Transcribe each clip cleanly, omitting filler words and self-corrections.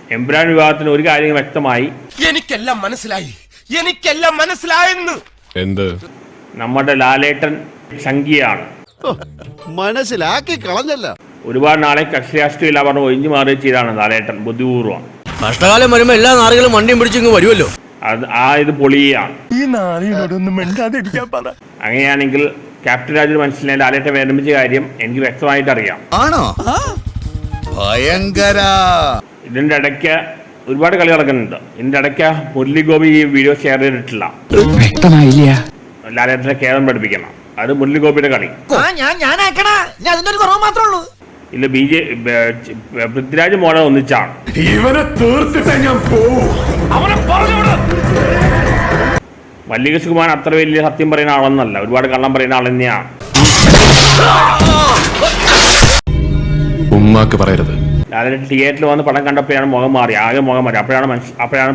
എംബ്രാൻ വിവാഹത്തിന് ഒരു കാര്യം വ്യക്തമായി. എനിക്കെല്ലാം മനസ്സിലായെന്ന്. എന്ത്? നമ്മുടെ ലാലേട്ടൻ സംഖ്യയാണ്. മനസ്സിലാക്കി കളഞ്ഞല്ല. ഒരുപാട് നാളെ കക്ഷി രാഷ്ട്രീയമില്ല പറഞ്ഞ് ഒഴിഞ്ഞു മാറി ചെയ്താണ് ലാലേട്ടൻ ബുദ്ധിപൂർവ്വം. കഷ്ടകാലം വരുമ്പോ എല്ലാ നാറുകളും വണ്ടിയും പിടിച്ചിങ്ങ് വരുമല്ലോ. ഇത് പൊളിയാണ്. ഈ നാളിനോടൊന്നും മിണ്ടാതിരിക്കാൻ പറ. അങ്ങനെയാണെങ്കിൽ ക്യാപ്റ്റൻ രാജു മനസ്സിലായ ലാലേട്ടൻ വിരമിച്ച കാര്യം എനിക്ക് വ്യക്തമായിട്ട് അറിയാം. ആണോ? ഭയങ്കര. ഇതിന്റെ ഇടയ്ക്ക് ഒരുപാട് കളി നടക്കുന്നുണ്ട്. ഇതിന്റെ ഇടയ്ക്ക് മുരളി ഗോപി ഈ വീഡിയോ ഷെയർ ചെയ്തിട്ടില്ല. വ്യക്തമായില്ല. ലാലേട്ടനെ കേരളം പഠിപ്പിക്കണം. അത് മുരളി ഗോപിയുടെ കളി. ഇല്ല പൃഥ്വിരാജ് മോനെ ഒന്നിച്ചാണ്. ഇവനെ തീർത്തിട്ടേ ഞാൻ പോവും. അവനെ പറഞ്ഞുവിട്. മല്ലിക സുകുമാരൻ അത്ര വലിയ സത്യം പറയുന്ന ആളൊന്നല്ല, ഒരുപാട് കള്ളം പറയുന്ന ആൾ തന്നെയാണ്. ഉമ്മാക്ക് പറയരുത്. ലാലേട്ടൻ തിയേറ്ററിൽ വന്ന് പടം കണ്ടപ്പോഴാണ് മുഖം മാറി, ആകെ മുഖം മാറി. അപ്പോഴാണ്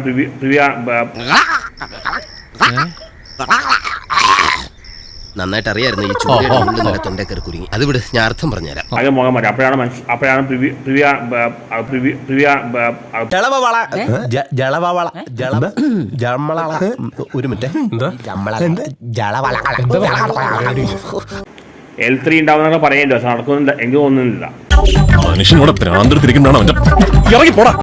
നന്നായിട്ട് അറിയായിരുന്നു ഈ ചൂട് തൊണ്ടേക്കറി കുരുങ്ങി. അത് വിട്, ഞാൻ അർത്ഥം പറഞ്ഞുതരാം. ആകെ മുഖം മാറി. അപ്പോഴാണ് ഒരു മിനിറ്റ്. L3 ഉണ്ടാവുന്നൊക്കെ പറയേണ്ടി, പക്ഷെ നടക്കുന്നുണ്ട് എനിക്ക് തോന്നുന്നില്ല. മനുഷ്യനോട് ഭ്രാന്തെടുത്തിരിക്കുന്നതാണ് അവന്റെ. ഇറങ്ങി പോടാ.